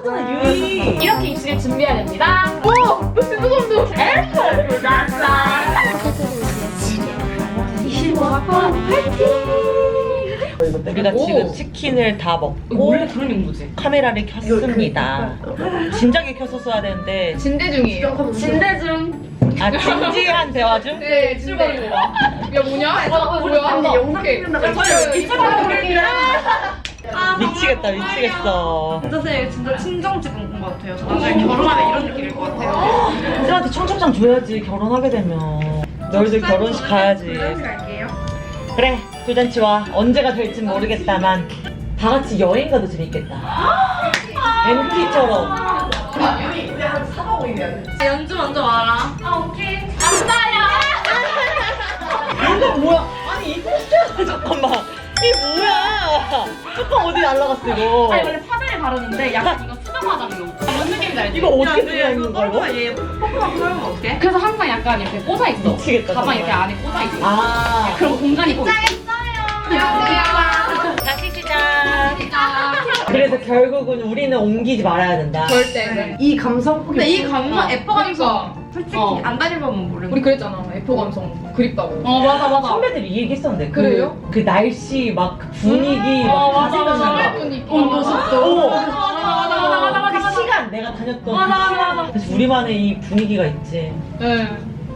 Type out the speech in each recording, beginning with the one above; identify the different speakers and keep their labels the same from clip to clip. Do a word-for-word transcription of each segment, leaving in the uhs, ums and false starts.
Speaker 1: 만났었잖아 유이.
Speaker 2: 이렇게 입시를 준비해야 됩니다.
Speaker 3: 오! 너 진짜 소름 돋았어.
Speaker 2: 이십오 학번
Speaker 1: 우리가
Speaker 3: 오.
Speaker 1: 지금 치킨을 다 먹고
Speaker 2: 원래 그런 용도지.
Speaker 1: 카메라를 켰습니다. 진작에 켰었어야 되는데
Speaker 3: 진대 중이에요.
Speaker 2: 진대 중.
Speaker 1: 아 진지한 대화 중?
Speaker 3: 네, 출발인 거 봐. 야, 뭐냐?
Speaker 2: 어, 우리
Speaker 3: 뭐야?
Speaker 2: 근데
Speaker 3: 영상 찍는다고
Speaker 1: 미치겠다 미치겠어.
Speaker 4: 선생님 진짜 친정 찍은 것 같아요. 저 나중에 결혼하면 이런 느낌일 것 같아요.
Speaker 1: 애들한테 청첩장 줘야지 결혼하게 되면. 너희들 결혼식 가야지.
Speaker 4: 갈게요.
Speaker 1: 그래 돌잔치와 언제가 될진 모르겠다만 다 같이 여행 가도 재밌겠다. 엠티처럼.
Speaker 4: 연주 먼저 와라.
Speaker 2: 아 오케이. 감사해요.
Speaker 1: 이거 뭐야? 아니 이거 진짜 잠깐만. 이게 뭐야? 뚜껑 어디 날라갔어 이거?
Speaker 2: 아니 원래 파데를 바르는데 약간 이거 수정 화장용. 뭔 느낌인지 알지?
Speaker 1: 이거 어떻게 들어있는 거야 이거?
Speaker 4: 얘 뽀뽀만 풀면 어떡해?
Speaker 2: 그래서 항상 약간 이렇게 꽂아 있어.
Speaker 1: 미치겠다,
Speaker 2: 가방
Speaker 1: 정말.
Speaker 2: 이렇게 안에 꽂아 있어.
Speaker 1: 아.
Speaker 2: 그럼 공간이 꼭.
Speaker 4: 안녕하세요.
Speaker 1: 다시 시작. 그래서 결국은 우리는 옮기지 말아야 된다.
Speaker 3: 절대.
Speaker 4: 이 감성 근데 이 감성 에퍼 감성
Speaker 3: 그러니까.
Speaker 4: 솔직히
Speaker 2: 어.
Speaker 4: 안 다녀보면 모르는
Speaker 3: 우리 그랬잖아. 에포 감성 그립다고.
Speaker 2: 어 맞아 맞아.
Speaker 1: 선배들이 이 얘기 했었는데 그,
Speaker 3: 그래요?
Speaker 1: 그 날씨 막 그 분위기
Speaker 2: 어,
Speaker 1: 막
Speaker 2: 맞아, 맞아.
Speaker 1: 생각나.
Speaker 3: 분위기.
Speaker 2: 온도 습도.
Speaker 1: 오.
Speaker 2: 맞아 맞아 맞아 맞아 맞아.
Speaker 1: 그 시간 내가 다녔던
Speaker 2: 맞아,
Speaker 1: 그
Speaker 2: 맞아,
Speaker 1: 시간.
Speaker 2: 맞아.
Speaker 1: 그래서 우리만의 이 분위기가 있지.
Speaker 3: 네.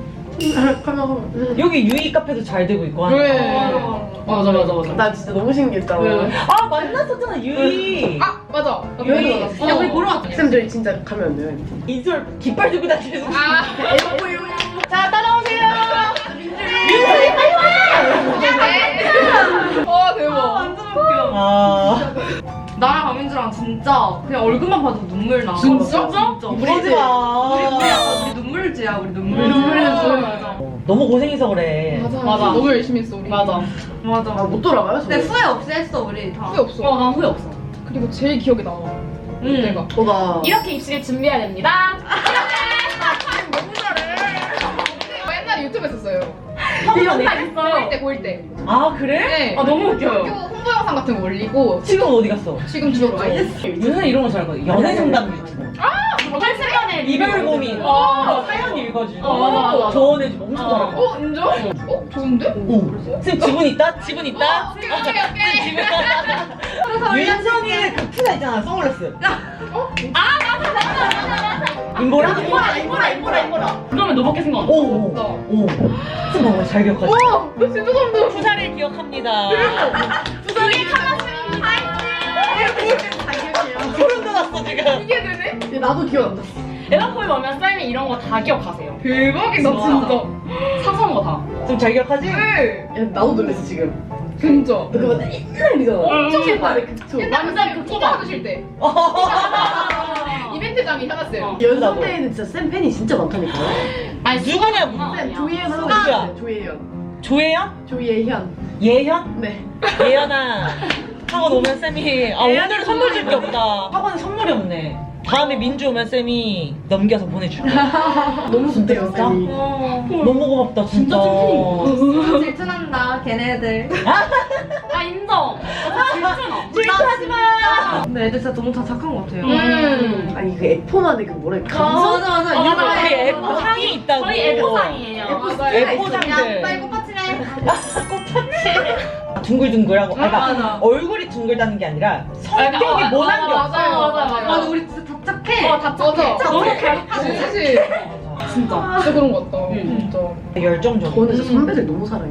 Speaker 1: 여기 유이 카페도 잘 되고 있고 하니까.
Speaker 3: 그래.
Speaker 2: 맞아 맞아 맞아.
Speaker 4: 나 진짜 너무 신기했다.
Speaker 1: 아 만났었잖아 유이.
Speaker 3: 아, 맞아.
Speaker 1: 유이.
Speaker 3: 어.
Speaker 4: 야 우리 보러 왔어. 쌤 저희 진짜 가면 안 돼요.
Speaker 1: 이솔 깃발 들고 다니면서.
Speaker 3: 아,
Speaker 1: 자 따라오세요.
Speaker 3: 어, 대박.
Speaker 4: 완전 웃겨.
Speaker 1: 아.
Speaker 4: 나랑 강민주랑 진짜 그냥 얼굴만 봐도 눈물 나.
Speaker 3: 진짜?
Speaker 4: 진짜.
Speaker 1: 그러지 마.
Speaker 4: 우리 우리 약간 우리 눈물지야 우리 눈물.
Speaker 3: 눈물지야. 맞아.
Speaker 1: 너무 고생해서 그래.
Speaker 3: 맞아.
Speaker 2: 맞아.
Speaker 3: 너무 열심히 했어, 우리.
Speaker 2: 맞아.
Speaker 4: 맞아. 못 돌아가요? 근데 후회 없이 했어 우리 다.
Speaker 3: 후회 없어.
Speaker 2: 어난 후회 없어.
Speaker 3: 그리고 제일 기억에 남아.
Speaker 4: 응.
Speaker 3: 내가.
Speaker 4: 뭐가?
Speaker 2: 이렇게 입시를 준비해야 됩니다.
Speaker 3: 너무 잘해. 옛날에 유튜브 했었어요.
Speaker 1: 이
Speaker 2: 영상
Speaker 3: 고일
Speaker 2: 있어요.
Speaker 3: 때, 고일 때.
Speaker 1: 아 그래?
Speaker 3: 네.
Speaker 2: 아 너무
Speaker 3: 학교
Speaker 2: 웃겨요.
Speaker 3: 홍보 영상 같은 거 올리고
Speaker 1: 지금 어디 갔어?
Speaker 3: 지금 들었죠.
Speaker 1: 유는 이런 거 잘하거든. 연애 상담 유튜브.
Speaker 2: 팔십년에
Speaker 1: 이별 고민.
Speaker 2: 어.
Speaker 1: 사연 읽어주고.
Speaker 2: 어, 맞아, 맞아.
Speaker 1: 조언해주고 엄청 잘하고.
Speaker 3: 어, 인정? 어, 좋은데?
Speaker 1: 오. 쌤 지분 있다? 지분 있다?
Speaker 3: 오케이, 오케이.
Speaker 1: 지분 있다. 윤선이의 그 푸사 있잖아. 선글라스.
Speaker 3: 어?
Speaker 1: 인보라?
Speaker 4: 인보라 인보라 인보라 인보라.
Speaker 2: 그러면 너밖에 생각 안 나.
Speaker 1: 오. 오. 쌤 봐봐 잘 기억하지?
Speaker 3: 와, 너 진짜 소름 돋았어.
Speaker 1: 푸사를 기억합니다.
Speaker 2: 두개 하나씩
Speaker 1: 소름 돋았어 지금.
Speaker 3: 이게 되네?
Speaker 4: 나도 기억 안 나.
Speaker 2: 에너포에 오면 쌤이 이런 거 다 기억하세요.
Speaker 3: 대박이다, 진짜.
Speaker 2: 사소한 거 다.
Speaker 1: 좀 잘 기억하지?
Speaker 3: 네.
Speaker 4: 야, 나도 놀랐어 지금.
Speaker 3: 진짜.
Speaker 4: 너 그거 옛날이잖아.
Speaker 2: 엄청
Speaker 4: 옛날에 그쵸.
Speaker 3: 완전 그
Speaker 2: 그거
Speaker 3: 포토 받으실 때. 이벤트장이 현았어요.
Speaker 2: 어.
Speaker 4: 연습 때에는 진짜 쌤 팬이 진짜 많다니까.
Speaker 2: 아니
Speaker 1: 누구냐고.
Speaker 4: 쌤 조예현 하고
Speaker 1: 누구야?
Speaker 4: 있어요. 조예현.
Speaker 1: 조예현?
Speaker 4: 조예현.
Speaker 1: 예현?
Speaker 4: 네.
Speaker 1: 예현아 학원 오면 쌤이 아 오늘은 선물 줄 게 없다. 학원에 선물이 없네. 다음에 민주 오면 쌤이 넘겨서 보내줄게.
Speaker 4: 너무 좋대요
Speaker 1: 진짜?
Speaker 4: 쌤이.
Speaker 1: 너무 고맙다 진짜.
Speaker 4: 질투난다 걔네들.
Speaker 2: 아 인정. 아, 질투나.
Speaker 1: 질투하지 마.
Speaker 4: 근데 애들 진짜 너무 다 착한 것 같아요.
Speaker 2: 음.
Speaker 4: 아니 그 에포만의 그 뭐래 감성? 맞아 맞아.
Speaker 2: 어, 맞아, 맞아.
Speaker 1: 우리 애포 상이 있다고.
Speaker 2: 저희 에포상이에요.
Speaker 1: 애포상들.
Speaker 4: 빨리 꽃받치네.
Speaker 1: 둥글둥글하고. 아, 그러니까
Speaker 4: 맞아.
Speaker 1: 얼굴이 둥글다는 게 아니라 성격이
Speaker 2: 어,
Speaker 1: 모난 게
Speaker 2: 맞아,
Speaker 1: 없어.
Speaker 2: 맞아, 맞아, 맞아.
Speaker 4: 맞아 우리 진짜 다 착해.
Speaker 2: 어, 다 착해.
Speaker 3: 맞아.
Speaker 2: 너무
Speaker 3: 진짜.
Speaker 2: 잘.
Speaker 3: 진짜.
Speaker 1: 맞아.
Speaker 2: 진짜.
Speaker 3: 진짜 그런 것 같다.
Speaker 2: 응.
Speaker 3: 진짜.
Speaker 1: 열정적이고.
Speaker 4: 저는 진짜 선배들 너무 사랑해요.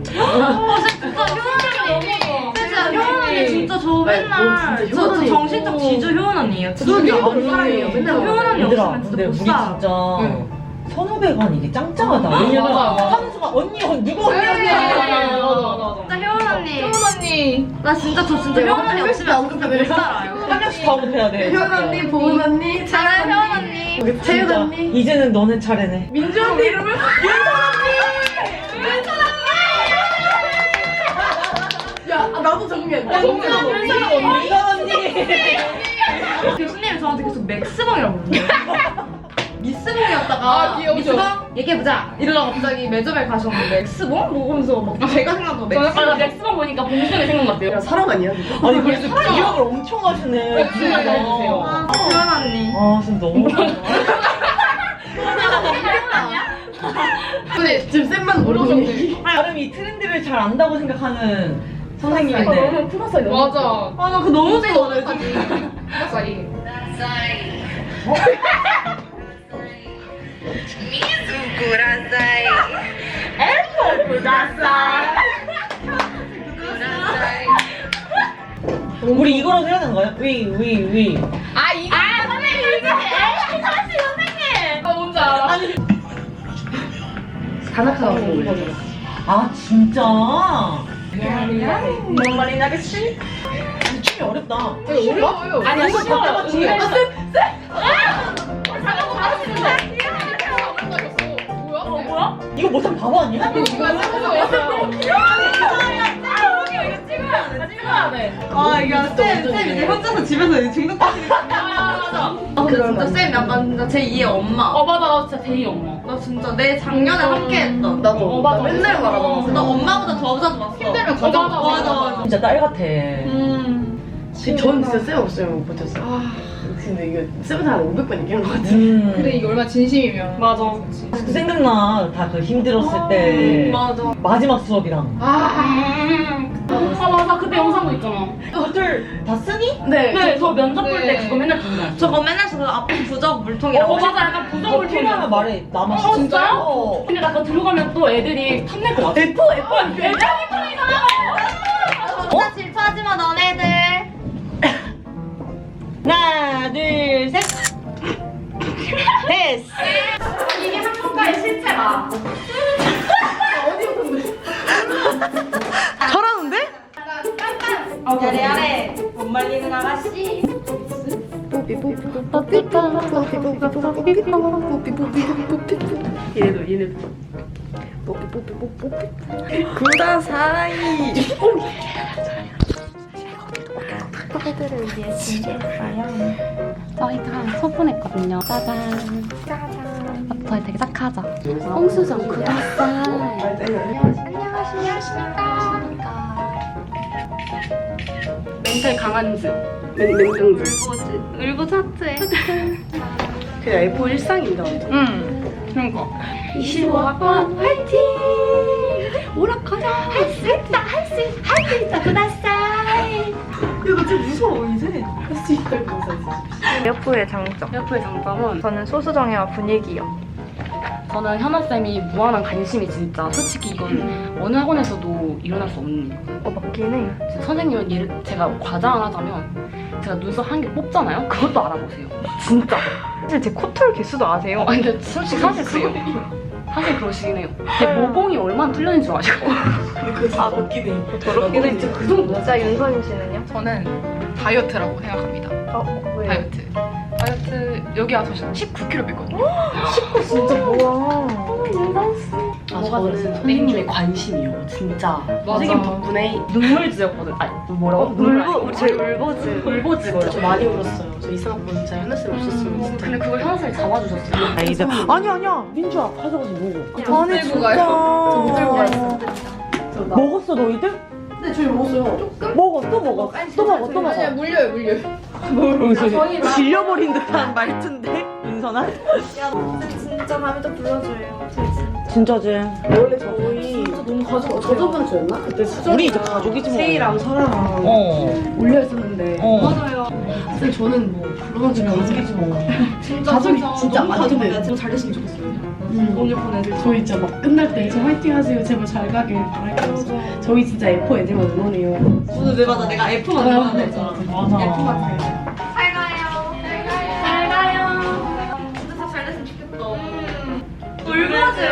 Speaker 2: 진짜
Speaker 4: 효원 언니 진짜 저 맨날
Speaker 1: 진짜
Speaker 4: 저,
Speaker 1: 효원
Speaker 4: 저
Speaker 1: 언니.
Speaker 4: 정신적 지주 효원 언니예요.
Speaker 3: 저도
Speaker 4: 진짜
Speaker 3: 효원
Speaker 4: 너무
Speaker 3: 언니.
Speaker 4: 사랑해요. 맨날 효원 언니
Speaker 1: 얘들아
Speaker 4: 없으면
Speaker 1: 근데
Speaker 4: 진짜
Speaker 1: 우리
Speaker 4: 못 살아.
Speaker 1: 진짜
Speaker 3: 응.
Speaker 1: 선후배간 이게 짱짱하다. 왜냐면
Speaker 2: 맞아, 맞아.
Speaker 1: 하는 순간 언니 언니 누구 언니
Speaker 3: 네,
Speaker 1: 언니
Speaker 3: 맞아,
Speaker 1: 언니.
Speaker 3: 맞아, 맞아.
Speaker 4: 진짜 효원 언니.
Speaker 3: 효원 언니.
Speaker 4: 나 진짜 저 진짜 효원 언니 없으면 진짜 못 살아요.
Speaker 1: 한 명씩 다 못해야 돼.
Speaker 4: 효원 언니, 보은 언니, 저는 효원 언니, 채윤
Speaker 1: 진짜.
Speaker 4: 언니,
Speaker 1: 이제는 너네 차례네.
Speaker 4: 민주 언니 이러면 야, 아, 나도 적응이 안 돼.
Speaker 3: 정말 언니.
Speaker 1: 민선 언니.
Speaker 4: 교수님이 저한테 계속 맥스봉이라고 부르는데 미스봉이었다가
Speaker 3: 아, 귀여우죠.
Speaker 4: 미스봉 얘기해보자 이러다가 갑자기 매점에 가셨는데 맥스봉? 뭐 하면서 막 제가 생각한 거
Speaker 2: 아, 나
Speaker 4: 맥스봉
Speaker 2: 맥스만 보니까 봉준이 생각났대요.
Speaker 4: 사람 아니야?
Speaker 1: 아니 그래서 기억을 엄청 하시네.
Speaker 2: 진짜 잘해주세요.
Speaker 4: 효원 언니
Speaker 1: 진짜 너무
Speaker 3: 근데 지금 쌤만 모르는 얘기.
Speaker 1: 나름 이 트렌드를 잘 안다고 생각하는 선생님인데
Speaker 3: 플러스 사이 맞아.
Speaker 4: 아, 나 그거 너무 좋아해.
Speaker 3: 플러스 사이.
Speaker 1: 우리 이거라도 해야 되는 거야? 위, 위, 위.
Speaker 3: 아 이거. 아 선생님 이거. 선생님 선생님. 아 뭔지 알아. 다나카가 올려줘.
Speaker 1: 아 진짜?
Speaker 4: 뭔 말인지 알겠지?
Speaker 1: 춤이 어렵다.
Speaker 3: 어려워요.
Speaker 1: 아니야, 쉬워요.
Speaker 3: 은근히.
Speaker 1: 아, 쌤,
Speaker 3: 잠깐만 가르치는데. 뭐야? 뭐야?
Speaker 1: 이거 못하면 바보 아니야?
Speaker 3: 이거 쌤 찍어야 돼.
Speaker 4: 아, 이게 쌤, 쌤 이제 혼자서 집에서 중독하시겠구나. 아, 근데 진짜 쌤 약간 진짜 제 이의 엄마.
Speaker 2: 어 맞아 나 진짜 데이 엄마.
Speaker 4: 나 진짜 내 작년에 함께 했던.
Speaker 3: 나도.
Speaker 2: 어, 맞아.
Speaker 3: 나 맨날 말하잖아.
Speaker 4: 나 엄마보다 더 자주 봤어.
Speaker 3: 힘들면
Speaker 2: 맞아,
Speaker 3: 가자.
Speaker 2: 맞아,
Speaker 4: 맞아.
Speaker 1: 진짜 딸 같아.
Speaker 4: 음.
Speaker 5: 전 진짜 쌤 없으면 못 버텼어. 아, 근데 이거 쌤한테 한 오백 번 얘기한 것 같아.
Speaker 1: 음.
Speaker 3: 근데 이게 얼마나 진심이면.
Speaker 4: 맞아.
Speaker 1: 아직도 생각나. 다 그 힘들었을 때.
Speaker 4: 맞아.
Speaker 1: 마지막 수업이랑.
Speaker 3: 아.
Speaker 2: 아 맞아 그때 영상도 있잖아.
Speaker 1: 그것들 다 쓰니?
Speaker 5: 네.
Speaker 2: 네 저 면접 볼 때
Speaker 3: 네.
Speaker 2: 그거 맨날 보는
Speaker 4: 저거 맨날 저 앞에 부적 물통이라고.
Speaker 2: 어 맞아 약간 부적을
Speaker 1: 필요하면
Speaker 2: 필요하면
Speaker 1: 말해. 남아.
Speaker 2: 어, 진짜요?
Speaker 1: 어.
Speaker 2: 근데 나 그거 들어가면 또 애들이 탐낼 것 같아.
Speaker 1: F, F, F.
Speaker 4: 진짜 질투하지 마, 너네들.
Speaker 1: 하나, 둘, 셋. 됐어.
Speaker 2: 이게 학교가의 실체다.
Speaker 1: 잘하는데?
Speaker 4: 야래 야래. 못 말리는 아가씨.
Speaker 5: 얘네도 얘네도. 뽀삐 뽀삐 뽀삐 뽀삐. 구다 사이.
Speaker 6: 후배들을 위해 준비했어요. 저희가 소분했거든요. 짜잔. 짜잔. 저희 되게 착하죠? 홍수정 구독살. 안녕하십니까.
Speaker 2: 멘탈 강한 즈.
Speaker 5: 맨 맨등들.
Speaker 6: 울보 차트에.
Speaker 5: 그냥 에프 일상입니다. 완전.
Speaker 2: 응. 그러니까.
Speaker 6: 이십오 학번 화이팅! 오락하자. 할 수 있다. 할 수 있다. 할 수 있다. 구독살.
Speaker 4: 이거 진짜 무서워, 이제.
Speaker 5: 할수 있다고 생각했어.
Speaker 4: 여프의 장점.
Speaker 2: 여프의 장점은
Speaker 4: 저는 소수정예와 분위기요.
Speaker 2: 저는 현아쌤이 무한한 관심이 진짜 솔직히 이건 어느 학원에서도 일어날 수 없는 거예요.
Speaker 4: 어, 맞긴 해.
Speaker 2: 진짜 선생님은 예를 제가 과장을 하자면 제가 눈썹 한 개 뽑잖아요? 그것도 알아보세요. 진짜.
Speaker 4: 사실 제 코털 개수도 아세요?
Speaker 2: 아니 근데 솔직히 사실 그래요. 사실 그러시긴 해요. 제 모공이 얼마나 뚫렸는지 줄 아시고.
Speaker 1: 아, 웃기네.
Speaker 4: 더럽긴 해. 그 정도. 진짜 윤서인 씨는요?
Speaker 3: 저는 다이어트라고 생각합니다.
Speaker 4: 어, 왜요?
Speaker 3: 다이어트. 다이어트 여기 와서 십구 킬로그램 뺐거든요.
Speaker 4: 진짜 뭐야.
Speaker 5: 아, 저는 선생님의 관심이요. 진짜. 선생님 덕분에
Speaker 2: 눈물지였거든. 아니 뭐라고? 눈물
Speaker 4: 울보, 우리 저희 울보즈.
Speaker 2: 울보지.
Speaker 5: 저 많이 울었어요. 저 이상한 건 진짜 현아 쌤 없었으면 진짜.
Speaker 2: 근데 그걸 현아쌤이 잡아주셨어요.
Speaker 1: 아이들. 아니, 아니야. 민주야, 가져가서 먹어.
Speaker 3: 아니 들고 가요. 저 들고 가요.
Speaker 1: 먹었어, 너희들?
Speaker 5: 네, 저희 먹었어요.
Speaker 1: 먹어, 또 먹어. 또 먹어, 또
Speaker 3: 아니야
Speaker 1: 먹어.
Speaker 3: 물려요 물려.
Speaker 1: 질려버린 듯한 말투인데? 윤선아?
Speaker 4: 진짜 다음에 또 불러줘요.
Speaker 1: 진짜지.
Speaker 5: 원래 저희
Speaker 4: 너무 가져가.
Speaker 5: 저저번 주였나? 그때 수정
Speaker 1: 우리 이제 가족이지 뭐.
Speaker 5: 세이랑 설아랑
Speaker 1: 어.
Speaker 5: 올려 있었는데
Speaker 1: 어.
Speaker 4: 맞아요.
Speaker 5: 쌤 저는 뭐 그런 줄
Speaker 1: 가족이지 뭐.
Speaker 4: 진짜
Speaker 5: 가족이
Speaker 4: 진짜
Speaker 5: 진짜
Speaker 4: 너무
Speaker 5: 많이
Speaker 4: 가져가야
Speaker 5: 근데
Speaker 4: 좀 잘 됐으면 좋겠어요.
Speaker 5: 음.
Speaker 4: 오늘 보내줄
Speaker 5: 저희 진짜 막 끝날 때 저 화이팅 하세요. 제발 잘 가길 바랄게요. 저희 진짜 에프 애들만 응원해요.
Speaker 4: 오늘 내 맞아. 내가 F만 들어가야 되잖아.
Speaker 1: 맞아.
Speaker 4: F만 잘 가요. 잘 가요. 잘 가요. 잘 가요. 진짜 다 잘 됐으면 좋겠다. 울보즈.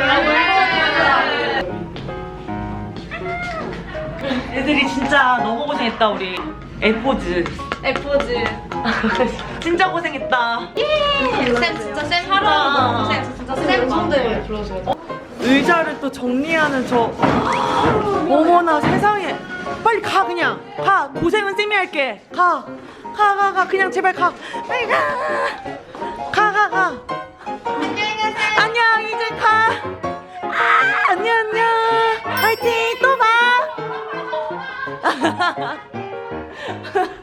Speaker 1: 애들이 진짜 너무 고생했다, 우리. 에포즈.
Speaker 4: F즈.
Speaker 1: 진짜 고생했다.
Speaker 4: 쌤 진짜 쌤 하루하루 너무 고생했어. 진짜 쌤
Speaker 5: 선대 불러줘요.
Speaker 1: 의자를 또 정리하는 저. 어머나 세상에. 빨리 가, 그냥. 가. 고생은 쌤이 할게. 가. 가, 가, 가. 그냥 제발 가. 빨리 가. 가, 가, 가. 안녕, 이제 가. 아, 안녕, 안녕. 화이팅, 또 봐.